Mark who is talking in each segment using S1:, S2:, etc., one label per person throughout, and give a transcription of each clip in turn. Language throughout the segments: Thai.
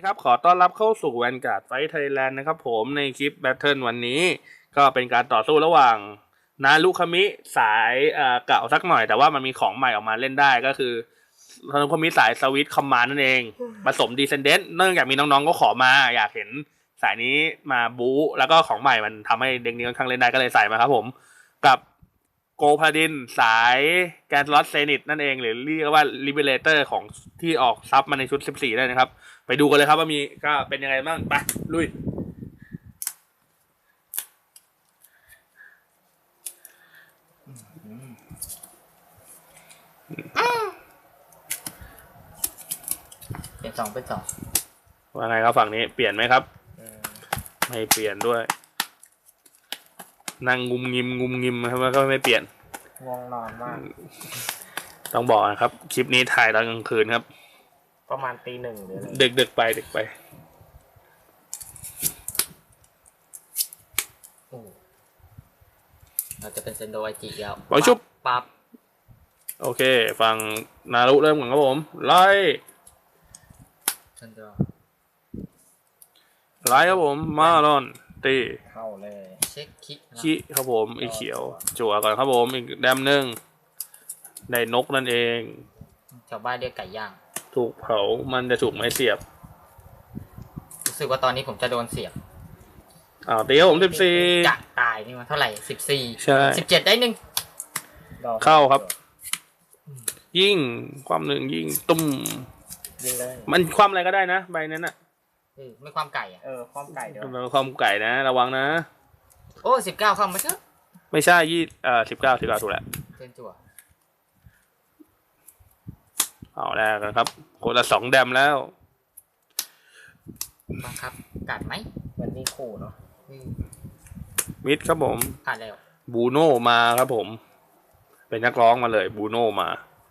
S1: ครับขอต้อนรับเข้าสู่ Vanguard Fight Thailand นะครับผมในคลิป Battle วันนี้ก็เป็นการต่อสู้ระหว่างนารุคามิสายเก่าสักหน่อยแต่ว่ามันมีของใหม่ออกมาเล่นได้ก็คือนารุคามิสายสวิตคอมมานด์นั่นเองผสมดีเซนเดนต์เนื่องจากมีน้องๆก็ขอมาอยากเห็นสายนี้มาบู๊แล้วก็ของใหม่มันทำให้เด็กนี้ค่อนข้างเล่นได้ก็เลยใส่มาครับผมกับโกพาดินสายแกนลอสเซนิตนั่นเองหรือเรียกว่าลิเบเลเตอร์ของที่ออกซับมาในชุด14ได้นะครับไปดูกันเลยครับว่ามีก็เป็นยังไงบ้างไปลุย
S2: เป็นสอง
S1: ว่าไงครับฝั่งนี้เปลี่ยนไหมครับไม่เปลี่ยนด้วยนั่งงุมงิมครับแล้วก็ไม่เปลี่ยน
S2: ง่วงนอนมาก
S1: ต้องบอกนะครับคลิปนี้ถ่ายตอนกลางคืนครับ
S2: ประมาณตี 1หรืออะไร
S1: ดึกไป
S2: เราจะเป็นเซนโดไอจิแล้ว
S1: ปล่อยชุบ
S2: ปั๊บ
S1: โอเคฝั่งนารุเริ่มก่อนครับผมไล่ครับผมมาลอนตี
S2: เข้าเลยเช็ค
S1: คิครับผมอีเขียวจั่วก่อนครับผมอีกแดมหนึ่งได้นกนั่นเอง
S2: ชาวบ้านเรียกไก่ย่าง
S1: ถูกเผามันจะถูกไม้เสียบ
S2: รู้สึกว่าตอนนี้ผมจะโดนเสียบ
S1: ตีครับผม14
S2: จะตายนี่มันเท่าไหร่14
S1: ใช่
S2: 17ได้หนึ่ง
S1: เข้าครับยิ่งความหนึ่งยิ่งตุ้ม
S2: ยิงเลย
S1: มันความอะไรก็ได้นะใบนั้นอ่ะ
S2: ไม่ความไก่ความไก่เดี๋ยว
S1: ความไก่นะระวังนะ
S2: โอ้19เข้ามาเถอะ
S1: ไม่ใช่19ถูกแล้ว
S2: เล่นจั่ว
S1: เอาแรกกันครับคนละ2แดมแล้ว
S2: บังคับกัดไหมวันนี้คู่เนาะ
S1: มิดครับผม
S2: ผ่านแล้ว
S1: บูโน่มาครับผมเป็นนักร้องมาเลยบูโน่มา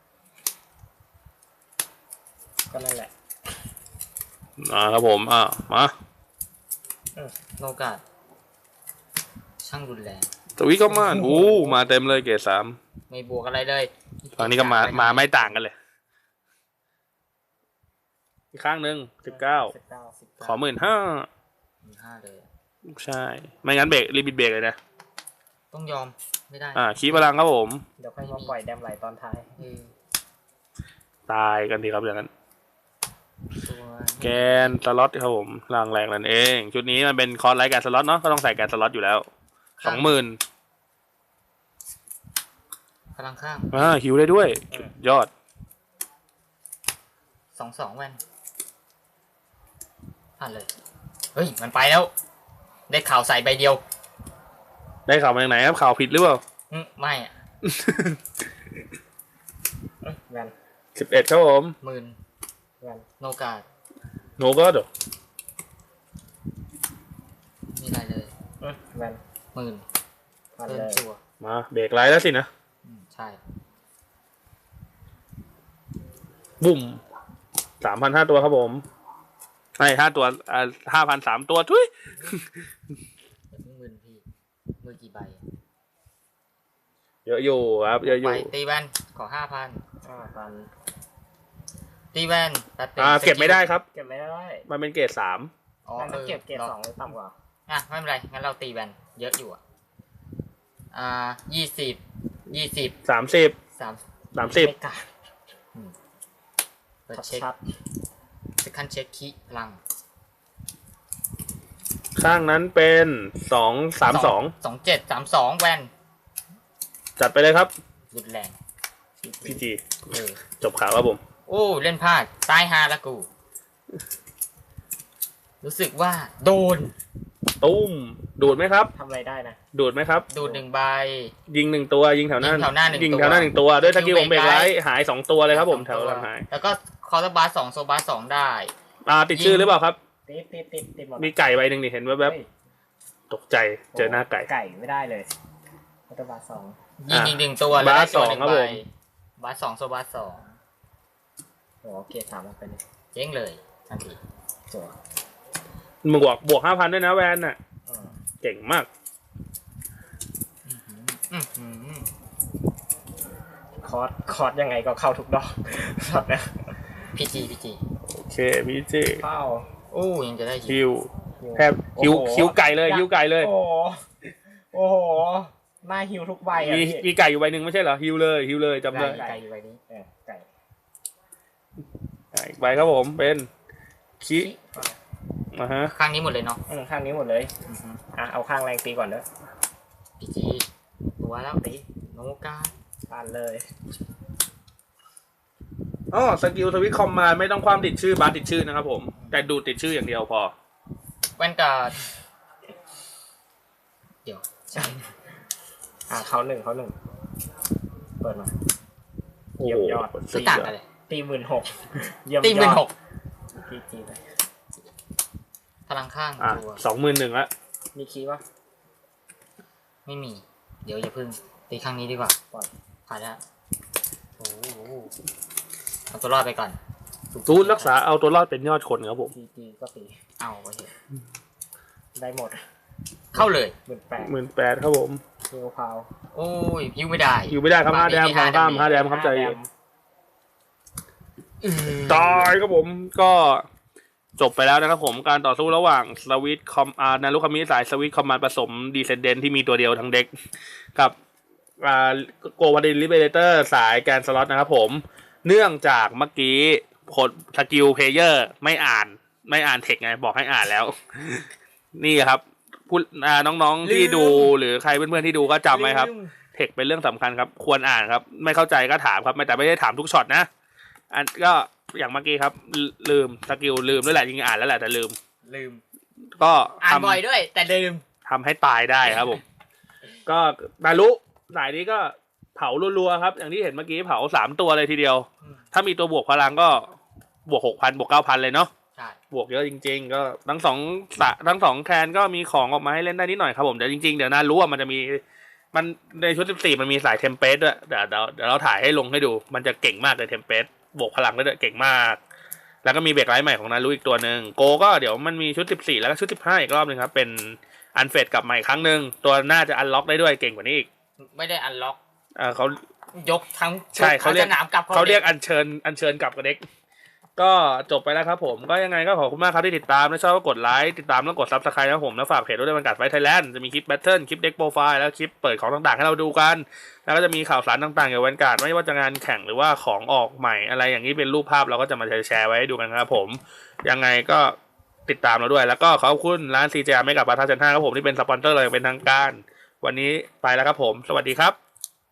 S2: ก็นั่นแหละ
S1: ครับผมมา
S2: โนกาดช่างรุนแรง
S1: สวิตก็มาเต็มเลยเกรด3
S2: ไม่บวกอะไรเลย
S1: ตอนนี้ก็มาไม่ต่างกันเลยอีกข้างหนึ่ง19ขอ15,000
S2: เลย
S1: ใช่ไม่งั้นเบรกรีบเบรกเลยนะ
S2: ต้องยอมไม่ได้
S1: ขี้พลังครับผม
S2: เดี๋ยวค่อยมาปล่อยแดมไหลตอนท้าย
S1: ตายกันทีครับอย่างนั้นแกนสล็อตครับผมล่างแรงนั่นเองชุดนี้มันเป็นคอร์สไลท์แกนสล็อตเนาะก็ต้องใส่แกนสล็อตอยู่แล้ว 20,000
S2: พลังข้าง
S1: หิวได้ด้วยยอด
S2: 22แว่นผ่านเลยเฮ้ยมันไปแล้วได้ข่าวใส่ใบเดียว
S1: ได้ข่าวมาจากไหนครับข่าวผิดหรือเปล่า
S2: ไม่แว่น
S1: 11ครับผม
S2: 10,000แว่นโนกาด
S1: เหรอ
S2: มีอะไรเลยแว่น10,000เริ่มจั่ว
S1: มาเบรกไลท์แล้วสินะ
S2: ใช่
S1: บุ่ม 3,005 ตัวครับผมให้5 ตัว5,000 3 ตัวทุย
S2: มือพี่มือกี่ใบ
S1: เยอะอยู่ครับเยอะอยู่
S2: ตีแว่นขอ5,000ตีแว่น
S1: เก็บไม่ได้ครับ
S2: เก็บไม่ได้
S1: มันเป็นเกรด3
S2: มันต้องเก็บเกรด2หรือต่ำกว่าไม่เป็นไรงั้นเราตีแว่นเยอะอยู่20 30เปิดเช็คคันเช็คคีพลัง
S1: ข้างนั้นเป็น
S2: 2732แว่น
S1: จัดไปเลยครับ
S2: รุนแรง
S1: พี่จีจบข่าวครับผม
S2: โอ้เล่นพลาดตายฮาละกูรู้สึกว่าโดน
S1: ตุ้มดูดไหมครับ
S2: ทำอะไรได้นะ
S1: ดูดไหมครับ
S2: ดูด1ใบ
S1: ยิง1ตัวยิงแถวหน้ายิงแถวหน้า1ตัวด้วยตะกี้ผมเบรกไลท์หาย2ตัวเลยครับผมแถวหลังหาย
S2: แล้วก็คอร์สบาร์2โซบาร์2ได้
S1: ติดชื่อหรือเปล่าครับ
S2: ติด
S1: มีไก่ใบหนึ่งนี่เห็นแวบๆตกใจเจอหน้าไก่
S2: ไม่ได้เลยคอร์สบาร์2ยิง1ตัวแล้วได้ตัว1ใบบาร์2โซบาร์2โอเค3ไปเลยเจ๊งเลยทันทีจั่ว
S1: มึงบวก 5,000 ด้วยนะแวนน่ะเก่งมาก
S2: คอร์สยังไงก็เข้าทุกดอกช็อตนะพีจี
S1: โอเคพีจี
S2: เข้าโอโอ้ยังจะได้
S1: ฮิวแทบฮิวไก่เลยฮิวไก่เลย
S2: โอ้โหหน้าฮิวทุกใบอ่ะ
S1: มีไก่อยู่ใบหนึ่งไม่ใช่เหรอฮิวเลยจำได้
S2: ไก่อยู่ใบนี้ไก่
S1: อีกใบครับผมเป็นคิฮะ
S2: ข้างนี้หมดเลยเนาะ
S3: ข้างนี้หมดเลยเอาข้างแรงตีก่อนเด้อ
S2: พีจีตัวแล้วตีโนกา
S3: ปานเลย
S1: อ๋อสกิลสวิตคอมมาไม่ต้องความติดชื่อบาร์ติดชื่อนะครับผมแต่ดูติดชื่ออย่างเดียวพอ
S2: แว่นการ์ดเดี๋ยว
S3: ใช่เขาหนึ่งเปิดมาเยี่ยมยอด
S2: คือต่างกันเลย
S3: ตี16,000เยี่ยมยอด
S2: ตีเป็น6
S3: จีเลย
S2: พลังข้างตัว
S1: 21,000ละ
S3: มีคีย์ปะ
S2: ไม่มี เดี๋ยวอย่าพึ่งตีข้างนี้ดีกว่า
S3: ปล่อย
S2: ผ่านแล้วโอ้เอาตัวรอดไปก่อน
S1: ตูนรักษาเอาตัวรอดเป็นยอดคนครับผม
S3: จีก็ตี
S2: เอาไปเถอะ
S3: ได้หมด
S2: เข้าเลย
S3: 18,000
S1: ครับผม
S3: ฮิวพาว
S2: โอ้ยยิวไม่ได้
S1: อยู่ไม่ได้ครับ5 แดม5 แดมครับใจตายครับผมก็จบไปแล้วนะครับผมการต่อสู้ระหว่างสวิตคอมนารุคามิสายสวิตคอมมานด์ผสมดีเซนเดนที่มีตัวเดียวทั้งเด็กกับโกวาดินลิเบเลเตอร์สายแกนสล็อตนะครับผมเนื่องจากเมื่อกี้ผลสกิลเพลเยอร์ไม่อ่านเทคไงบอกให้อ่านแล้ว นี่ครับพูดน้องๆที่ดูหรือใครเพื่อนๆที่ดูก็จำไว้ครับเทคเป็นเรื่องสำคัญครับควรอ่านครับไม่เข้าใจก็ถามครับแต่ไม่ได้ถามทุกช็อตนะอันก็อย่างเมื่อกี้ครับลืมสกิลลืมด้วยแหละจริงๆอ่านแล้วแหละแต่ลืมก็
S2: อ่านบ่อยด้วย แต่ลืม
S1: ทำให้ตายได้ครับผม ก็นารุสายนี้ก็เผารัวๆครับ อย่างที่เห็นเมื่อกี้เผา3 ตัวเลยทีเดียว ถ้ามีตัวบวกพลังก็บวก 6,000 บวก 9,000 เลยเนาะ
S2: ใช่
S1: บวกเยอะจริงๆก็ทั้งสองแคนก็มีของออกมาให้เล่นได้นิดหน่อยครับผมแต่จริงๆเดี๋ยวนารุมันจะมีมันในชุด14มันมีสายเทมเพลตด้วยเดี๋ยวเราถ่ายให้ลงให้ดูมันจะเก่งมากเลยเทมเพลตบวกพลังได้ด้วยเก่งมากแล้วก็มีเบรกไลท์ใหม่ของนารุอีกตัวหนึ่งโกก็เดี๋ยวมันมีชุด14แล้วก็ชุด15อีกรอบนึงครับเป็นอันเฟดกลับใหม่ครั้งนึงตัวน่าจะอันล็อกได้ด้วยเก่งกว่านี้อีก
S2: ไม่ได้อันล็อก
S1: เขา
S2: ยกทั้ง
S1: ใช่เขาเรียก
S2: สนามกลับ
S1: เขาเรียกอัญเชิญกลับกับเด็กก็จบไปแล้วครับผมก็ยังไงก็ขอบคุณมากครับที่ติดตามถ้าชอบก็กดไลค์ติดตามแล้วกด Subscribe นะครับผมแล้วฝากเพจด้วยบรรยากาศไฟไทยแลนด์จะมีคลิปแบทเทิลคลิปเด็กโปรไฟล์แล้วคลิปเปิดของต่างๆให้เราดูกันแล้วก็จะมีข่าวสารต่างๆเกี่ยวกับวันการ์ดไม่ว่าจะงานแข่งหรือว่าของออกใหม่อะไรอย่างนี้เป็นรูปภาพเราก็จะมาแชร์ไว้ให้ดูกันครับผมยังไงก็ติดตามเราด้วยแล้วก็ขอบคุณร้าน CJ ไม่กับปาทาเซน5ครับผมที่เป็นสปอนเซอร์เราอย่างเป็นทางการวันนี้ไปแล้วครับผมสวัสดีครับ